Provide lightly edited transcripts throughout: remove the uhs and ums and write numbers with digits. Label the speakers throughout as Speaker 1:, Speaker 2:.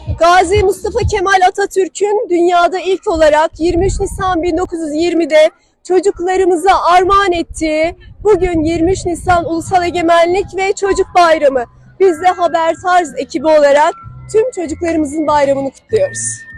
Speaker 1: Gazi Mustafa Kemal Atatürk'ün dünyada ilk olarak 23 Nisan 1920'de çocuklarımıza armağan ettiği bugün 23 Nisan Ulusal Egemenlik ve Çocuk Bayramı. Biz de Haber Tarz ekibi olarak tüm çocuklarımızın bayramını kutluyoruz.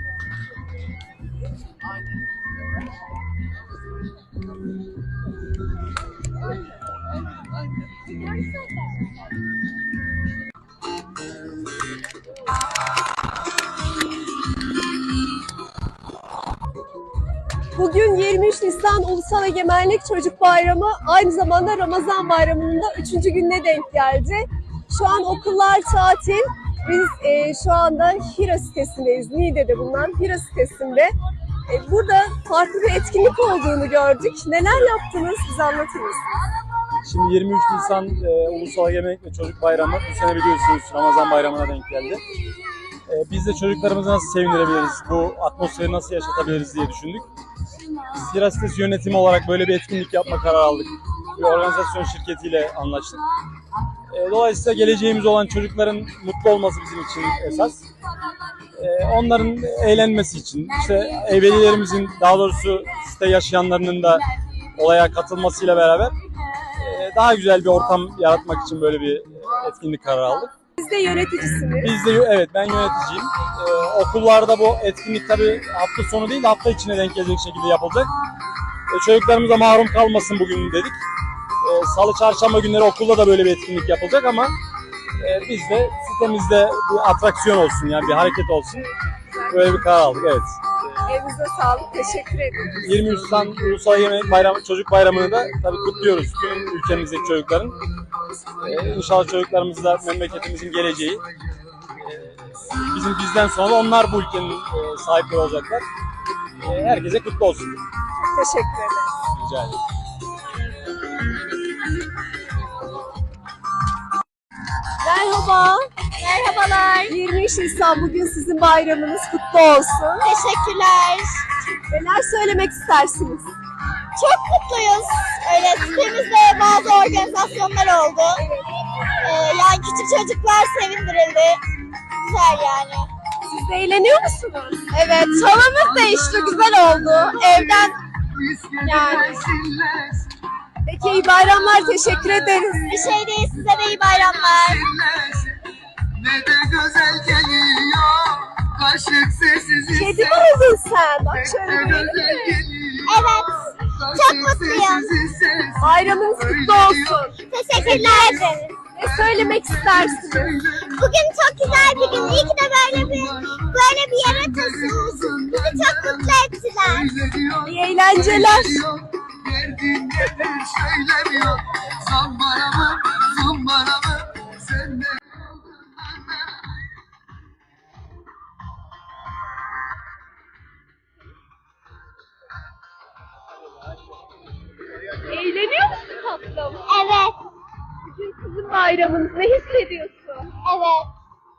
Speaker 1: Bugün 23 Nisan Ulusal Egemenlik Çocuk Bayramı, aynı zamanda Ramazan Bayramı'nın da 3. gününe denk geldi. Şu an okullar tatil. Biz şu anda Hira sitesindeyiz. Niğde'de bulunan Hira sitesinde. Burada farklı bir etkinlik olduğunu gördük. Neler yaptınız? Bize anlatır mısınız?
Speaker 2: Şimdi 23 Nisan Ulusal Egemenlik ve Çocuk Bayramı. Bu sene biliyorsunuz Ramazan Bayramı'na denk geldi. Biz de çocuklarımızı nasıl sevindirebiliriz, bu atmosferi nasıl yaşatabiliriz diye düşündük. Biz Hira Sitesi yönetimi olarak böyle bir etkinlik yapma kararı aldık. Bir organizasyon şirketiyle anlaştık. Dolayısıyla geleceğimiz olan çocukların mutlu olması bizim için esas. Onların eğlenmesi için, işte velilerimizin, daha doğrusu site yaşayanlarının da olaya katılmasıyla beraber daha güzel bir ortam yaratmak için böyle bir etkinlik kararı aldık.
Speaker 1: Siz de yöneticisiniz.
Speaker 2: Biz de, evet, ben yöneticiyim. Okullarda bu etkinlik tabii hafta sonu değil de hafta içine denk gelecek şekilde yapılacak. Çocuklarımıza mahrum kalmasın bugün dedik. Salı, çarşamba günleri okulda da böyle bir etkinlik yapılacak ama biz de sitemizde bir atraksiyon olsun, yani bir hareket olsun. Böyle bir karar aldık, evet.
Speaker 1: Elinize sağlık, teşekkür ederim.
Speaker 2: 23 Nisan Ulusal Egemenlik Bayramı, Çocuk Bayramı'nı da tabii kutluyoruz tüm ülkemizdeki çocukların. İnşallah çocuklarımız da memleketimizin geleceği. Bizden sonra da onlar bu ülkenin sahipleri olacaklar. Herkese kutlu olsun.
Speaker 1: Teşekkür ederim.
Speaker 2: Rica ederim.
Speaker 1: Merhaba.
Speaker 3: Merhabalar.
Speaker 1: 23 Nisan bugün sizin bayramınız kutlu olsun.
Speaker 3: Teşekkürler.
Speaker 1: Neler söylemek istersiniz?
Speaker 3: Çok mutluyuz. Öyle sitemizde bazı organizasyonlar oldu. Yani küçük çocuklar sevindirildi. Güzel yani.
Speaker 1: Siz de eğleniyor musunuz?
Speaker 3: Evet, havamız değişti. Güzel oldu. Evden yani.
Speaker 1: Peki iyi bayramlar, teşekkür ederiz.
Speaker 3: Bir şey değil, size de iyi bayramlar.
Speaker 4: Ne de güzel geliyor, kaşık sessiz
Speaker 1: Kedi mi oldun sen? Bak şöyle
Speaker 4: ne
Speaker 1: bir
Speaker 4: güzel geliyor.
Speaker 3: Evet, çok mutluyum.
Speaker 1: bayramınız kutlu olsun.
Speaker 3: Teşekkürler ederiz.
Speaker 1: Ne söylemek istersiniz?
Speaker 3: Bugün çok güzel bir gün. İyi ki de böyle bir yere taşınmışız. Bizi çok mutlu ettiler.
Speaker 1: İyi eğlenceler.
Speaker 4: Derdin nedir söylemiyor. Son bana mı, sen de.
Speaker 1: Eğleniyor musun tatlım?
Speaker 3: Evet,
Speaker 1: Bugün sizin bayramınız. Ne hissediyorsun?
Speaker 3: evet.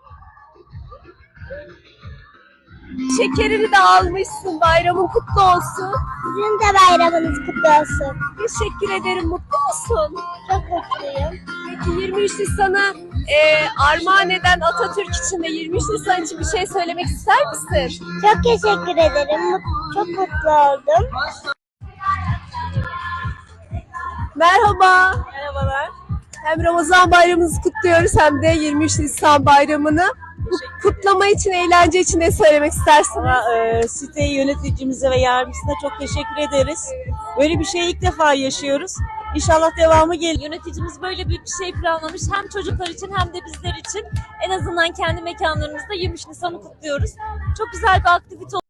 Speaker 1: Şekerini de almışsın. Bayramın kutlu olsun.
Speaker 3: Sizin de bayramınız kutlu olsun.
Speaker 1: Teşekkür ederim. Mutlu musun?
Speaker 3: Çok mutluyum.
Speaker 1: Peki 23 Nisan'ı armağan eden Atatürk için de 23 Nisan için bir şey söylemek ister misin?
Speaker 3: Çok teşekkür ederim. Çok mutlu oldum.
Speaker 1: Merhaba.
Speaker 5: Merhabalar.
Speaker 1: Hem Ramazan bayramınızı kutluyoruz hem de 23 Nisan bayramını. Bu kutlama için, eğlence için ne söylemek istersiniz?
Speaker 5: Site yöneticimize ve yardımcısına çok teşekkür ederiz. Böyle bir şeyi ilk defa yaşıyoruz. İnşallah devamı gelir.
Speaker 6: Yöneticimiz böyle büyük bir şey planlamış. Hem çocuklar için hem de bizler için en azından kendi mekanlarımızda 23 Nisan'ı kutluyoruz. Çok güzel bir aktivite